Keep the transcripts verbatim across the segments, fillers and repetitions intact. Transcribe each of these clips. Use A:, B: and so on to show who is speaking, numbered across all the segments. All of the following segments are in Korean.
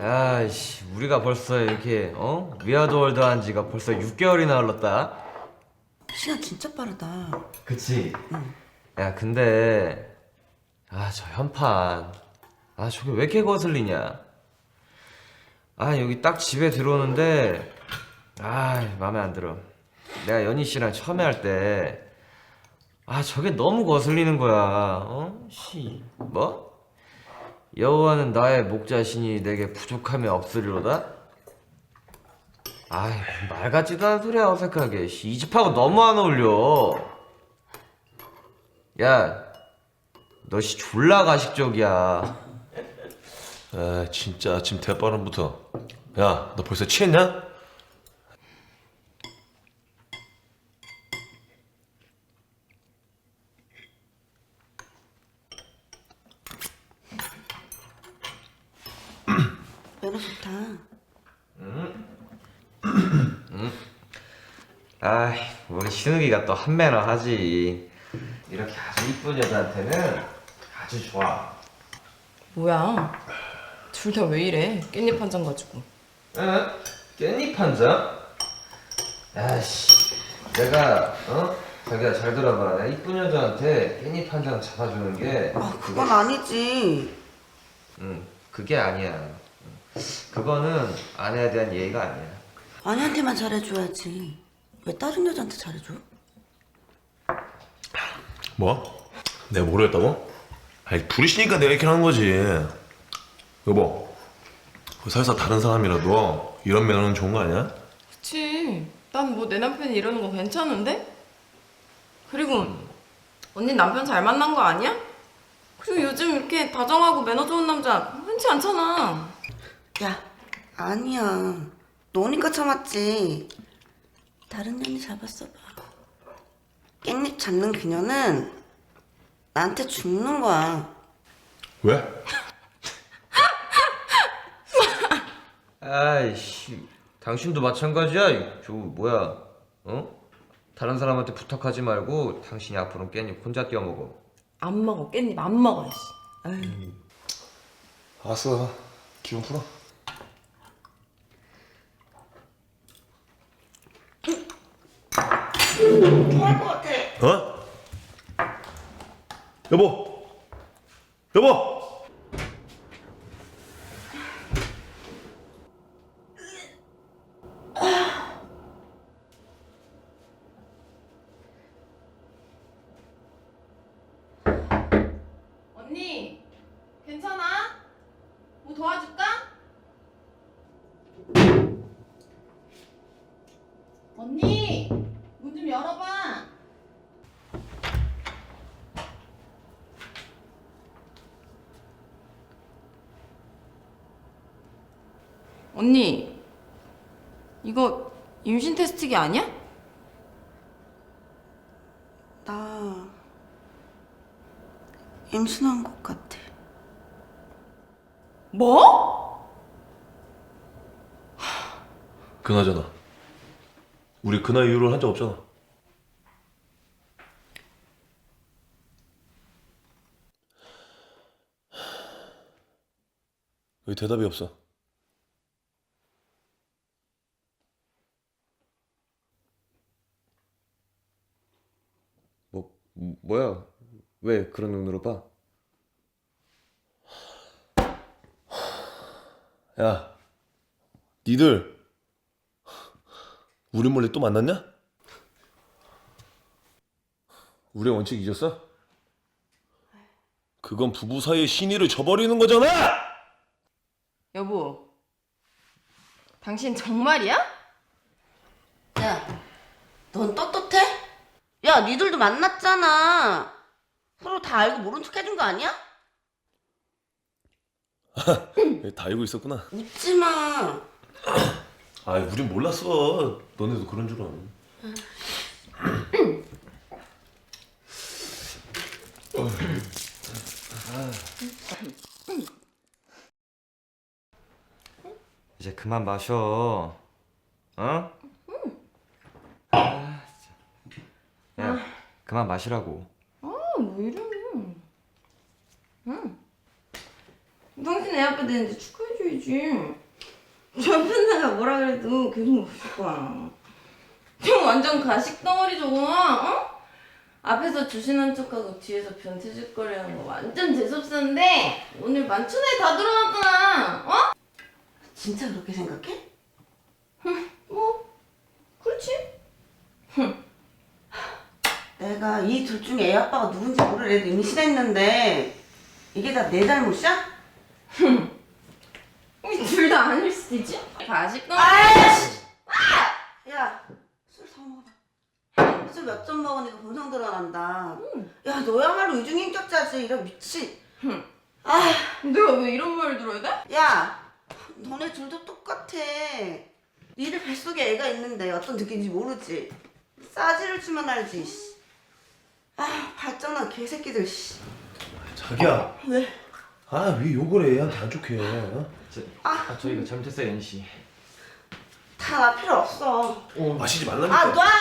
A: 아이씨, 우리가 벌써 이렇게 어? 위아더월드 한 지가 벌써 육 개월이나 흘렀다.
B: 시간 진짜 빠르다.
A: 그치?
B: 응.
A: 야, 근데 아, 저 현판 아, 저게 왜 이렇게 거슬리냐? 아, 여기 딱 집에 들어오는데 아, 마음에 안 들어. 내가 연희 씨랑 처음에 할 때 아, 저게 너무 거슬리는 거야. 어? 씨, 뭐? 여호와는 나의 목자시니 내게 부족함이 없으리로다? 아이, 말 같지도 않은 소리야, 어색하게. 씨, 이 집하고 너무 안 어울려. 야, 너 씨 졸라 가식적이야.
C: 아 진짜 아침 대바람부터. 야 너 벌써 취했냐?
B: 매너 좋다.
A: 아이, 우리 신욱이가 또 한매너 하지. 이렇게 아주 이쁜 여자한테는 아주 좋아.
D: 뭐야? 둘 다 왜 이래? 깻잎 한 장 가지고.
A: 응? 깻잎 한 장? 야씨, 내가 어? 자기야 잘 들어봐. 내가 이쁜 여자한테 깻잎 한 장 잡아주는 게
B: 아, 그건 아니지.
A: 응, 그게 아니야. 그거는 아내에 대한 예의가 아니야.
B: 아내한테만 잘해줘야지. 왜 다른 여자한테 잘해줘?
C: 뭐? 내가 뭐를 했다고? 아니 부리시니까 내가 이렇게 하는 거지. 여보 그 설사 다른 사람이라도 이런 매너는 좋은 거 아니야?
D: 그치. 난 뭐 내 남편이 이러는 거 괜찮은데? 그리고 언니 남편 잘 만난 거 아니야? 그리고 요즘 이렇게 다정하고 매너 좋은 남자 흔치 않잖아.
B: 야, 아니야. 너니까 참았지. 다른 년이 잡았어봐. 깻잎 잡는 그녀는 나한테 죽는 거야.
C: 왜?
A: 아이씨, 당신도 마찬가지야. 저 뭐야? 어? 다른 사람한테 부탁하지 말고 당신이 앞으로 깻잎 혼자 띄워 먹어.
D: 안 먹어. 깻잎 안 먹어. 씨. 아유.
C: 알았어 기분 풀어.
B: 좋아할 것 같아.
C: 어? 여보 여보
D: 언니, 괜찮아? 뭐 도와줄까? 언니, 문 좀 열어봐. 언니, 이거 임신 테스트기 아니야?
B: 나 임신한 것 같아.
D: 뭐?
C: 그나저나 우리 그날 이후로 한 적 없잖아. 왜 대답이 없어?
A: 뭐 뭐야? 왜 그런 눈으로 봐?
C: 야 니들 우리 몰래 또 만났냐? 우리의 원칙 잊었어? 그건 부부 사이의 신의를 저버리는 거잖아!
D: 여보, 당신 정말이야?
B: 야, 넌 떳떳해? 야, 니들도 만났잖아. 서로 다 알고 모른 척 해준 거 아니야?
C: 다 알고 있었구나.
B: 웃지 마.
C: 아, 우린 몰랐어. 너네도 그런 줄은.
A: 이제 그만 마셔. 어? 아, 진짜. 야, 그만 마시라고.
D: 아, 왜 이래? 응. 당신 애 아빠 되는데 축하해줘야지. 헷갈리지. 남편 내가 뭐라 그래도 계속 웃을 거야. 형 완전 가식 덩어리 저거나, 어? 앞에서 주신한 척하고 뒤에서 변태짓거리 하는 거 완전 재수없었는데 오늘 만천에 다 들어왔잖아, 어?
B: 진짜 그렇게 생각해?
D: 뭐, 그렇지.
B: 내가 이 둘 중에 애 아빠가 누군지 모를 애도 임신했는데 이게 다 내 잘못이야?
D: 둘 다 아닐 수도 있지? 가식 덩어리.
B: 아이씨! 야, 술 더 먹어봐. 술 몇 잔 먹으니까 본성 드러난다. 야, 너야말로 이중인격자지. 이런 미친. 아,
D: 내가 왜 이런 말을 들어야 돼?
B: 야, 너네 둘도 똑같아. 니들 뱃속에 애가 있는데 어떤 느낌인지 모르지. 싸지를 주면 알지. 씨. 아, 발전한 개새끼들. 씨.
C: 자기야.
B: 왜?
C: 아 왜 욕을 해? 얘한테 안 좋게. 어?
A: 아, 저 이거 잘못했어요, 연희 씨.
B: 다 나 필요 없어.
C: 어, 마시지 말라니까.
B: 아, 놔!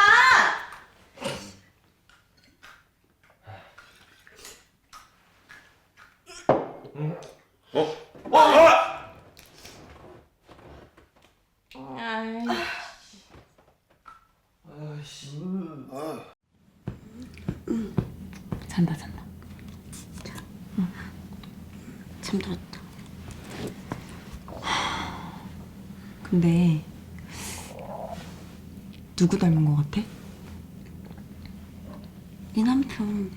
C: 어? 어? 아!
D: 아이.
A: 아이씨.
D: 잔다 잔다.
B: 잠들었다.
D: 근데 누구 닮은 것 같아?
B: 네 남편.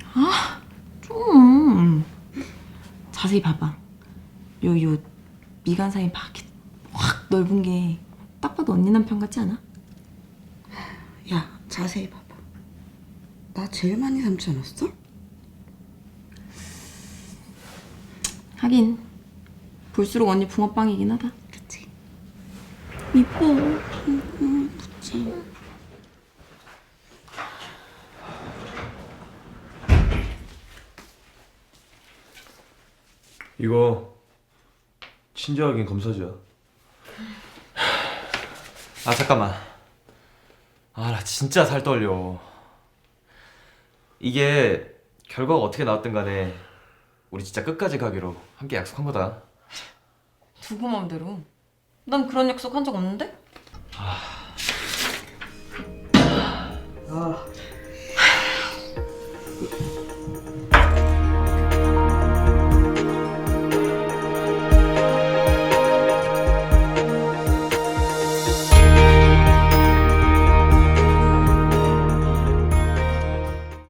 D: 좀 자세히 봐봐. 요 요 미간 사이 막 이렇게 확 넓은 게 딱 봐도 언니 남편 같지 않아?
B: 야, 자세히 봐봐. 나 제일 많이 닮지 않았어?
D: 하긴 볼수록 언니 붕어빵이긴 하다.
B: 그치?
D: 이뻐.
B: 응, 그치.
C: 이거 친절하긴 검사지야.
A: 아, 잠깐만. 아, 나 진짜 살 떨려. 이게 결과가 어떻게 나왔든 간에 우리 진짜 끝까지 가기로 함께 약속한 거다.
D: 두고 맘대로. 난 그런 약속 한 적 없는데?
A: 아,